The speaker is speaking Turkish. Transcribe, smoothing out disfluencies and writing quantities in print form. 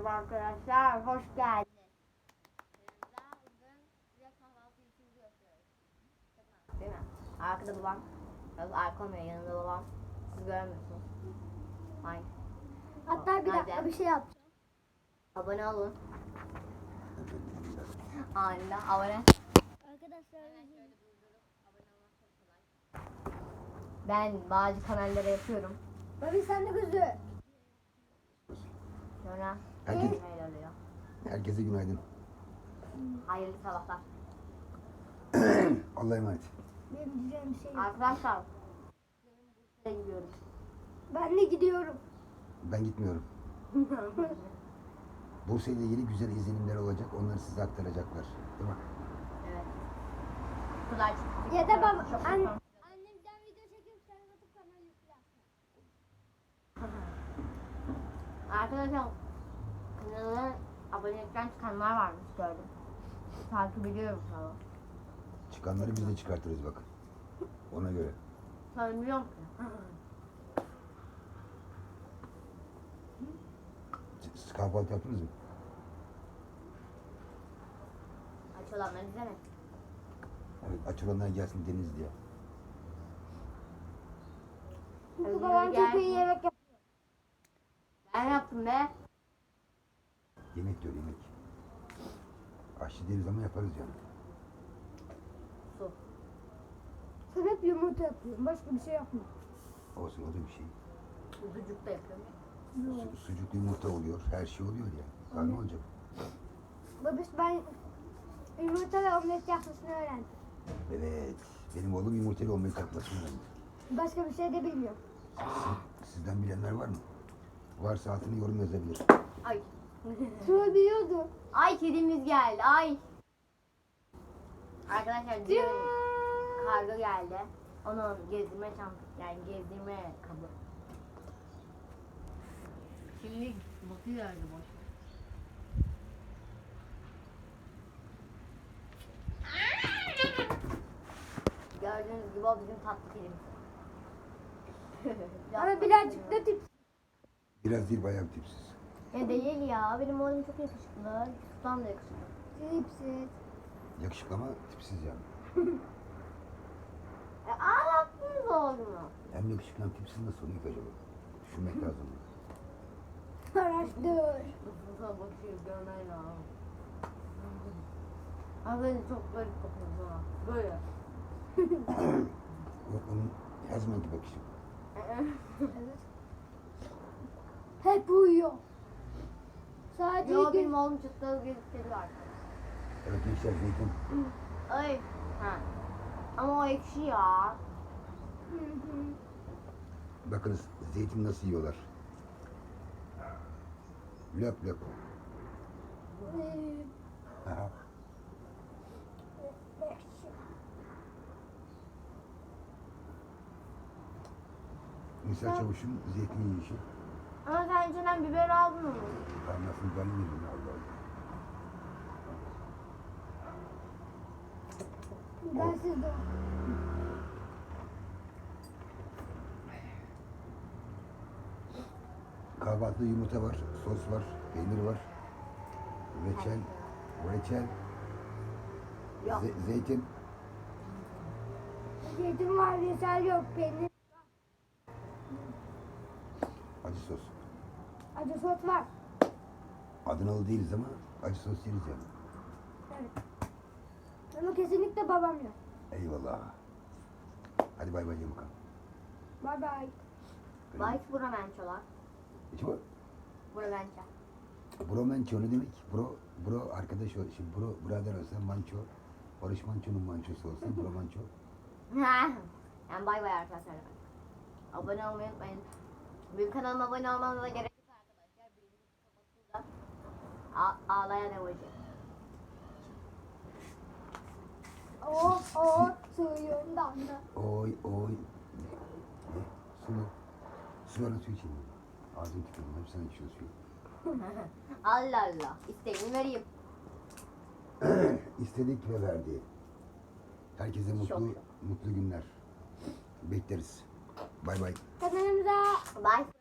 Merhaba arkadaşlar, hoş geldiniz. Bugün size kahvaltı işimizi gösteriyoruz. Değil mi? Arkada babam, arka olmuyor, yanında babam. Siz görmüyorsunuz. Hayır. Hatta bir dakika bir şey yapacağım. Abone olun. Anında abone. Arkadaşlar Ben bazı kanallara yapıyorum. Babi sen de gözü. Sonra Herkes- öyle oluyor. Herkese günaydın. Hayırlı sabahlar. Allah'a emanet. Benim diyeceğim bir şey yok. Arkadaşlar, Bursa'ya gidiyoruz. Ben de gidiyorum. Ben gitmiyorum. Bursa ile ilgili güzel izlenimler olacak. Onları size aktaracaklar. Değil mi? Evet. Kızlar çıktı. Ya da baba Çok annemden video çekip sen atıp kanal yüklersin. Arkadaşlar, kanala abonelikten çıkanlar varmış gördüm. Takip ediyorum falan. Çıkanları biz de çıkartırız bakın. Ona göre. Söylemiyorum ki. Siz kahvaltı yaptınız mı? Aç olanları izlemek. Evet, aç olanlar gelsin Deniz diye. Çünkü babam çok iyi yemek yapıyor. Ben yaptım be. Yemek diyor yemek. Aşçı değiliz ama yaparız yani. Su. Sen hep yumurta yapıyorsun. Başka bir şey yapma. Olsun o da bir şey. Sucuk da yapıyorum. Sucuklu yumurta oluyor. Her şey oluyor ya. Daha ne olacak? Babiş ben yumurta ve omlet yapmasını öğrendim. Evet. Benim oğlum yumurtalı omlet yapmasını öğrendi. Başka bir şey de bilmiyorum. Sizden bilenler var mı? Varsa altına yorum yazabilir. Ay. Şunu biliyordu. Ay kedimiz geldi. Ay. Arkadaşlar dün kargo geldi. Onu gezdirme çantası, yani gezdirme kabı. Şimdi bakıyor öyle boş. Gördüğünüz gibi o bizim tatlı kedimiz. Ama birazcık da tip. Biraz değil bayağı bir tipsiz. Değil ya, benim oğlum çok yakışıklı. Yusuf'tan da yakışıklı. Tipsiz. Yakışıklı ama tipsiz yani. Ağlattınız oğlumu. Hem yakışıklı hem tipsiz nasıl oluyor ki acaba? Düşünmek lazım. Araştır. Yusuf'a bakıyor, görmen lazım. Az önce çok garip bakıyordu ha. Böyle. Yok onun her zamanki bakışı. Evet. Hep uyuyor. Sadece Yo, gün... benim oğlum çıtlağı bir kedi var. Evet gençler zeytin. Ay. Ha. Ama o ekşi ya. Hı hı. Bakınız zeytin nasıl yiyorlar. Löp löp. Aha. Nisa Çavuş'un zeytin yiyişi. Ama sen içinden biber aldın mı? Kaynasını ben yedim Allah Allah. Ben sizde. Kahvaltıda yumurta var, sos var, peynir var. Reçel, Yok. zeytin. Zeytin var, reçel yok, peynir. Acı sos. Acı sos var. Adanalı değiliz ama acı sos yeriz yani. Evet. Ama kesinlikle babam yok. Eyvallah. Hadi bay bay ye bakalım. Bye bye. Bayt Buramençolar. Hiç bu. Buramenço. Bro manço ne demek? Bro arkadaş ol. Şimdi bro birader olsa manço. Barış Manço'nun mançosu olsa bro manço. Yani bay bay arkadaşlar. Abone olmayı unutmayın. Benim kanalıma abone olmanıza gerek yok arkadaşlar. Birinci kapatıldı. Ağlayan emoji. Suyundan da. Oy. Ne? Su mu? Su var su içeyim. Ağzını tükürdüm. Hep sen içiyorsun suyu. Allah Allah. İsteğini vereyim. İstedik ve verdi. Herkese Şok. mutlu günler. Bekleriz. Bay bay. Kanalımıza Bye.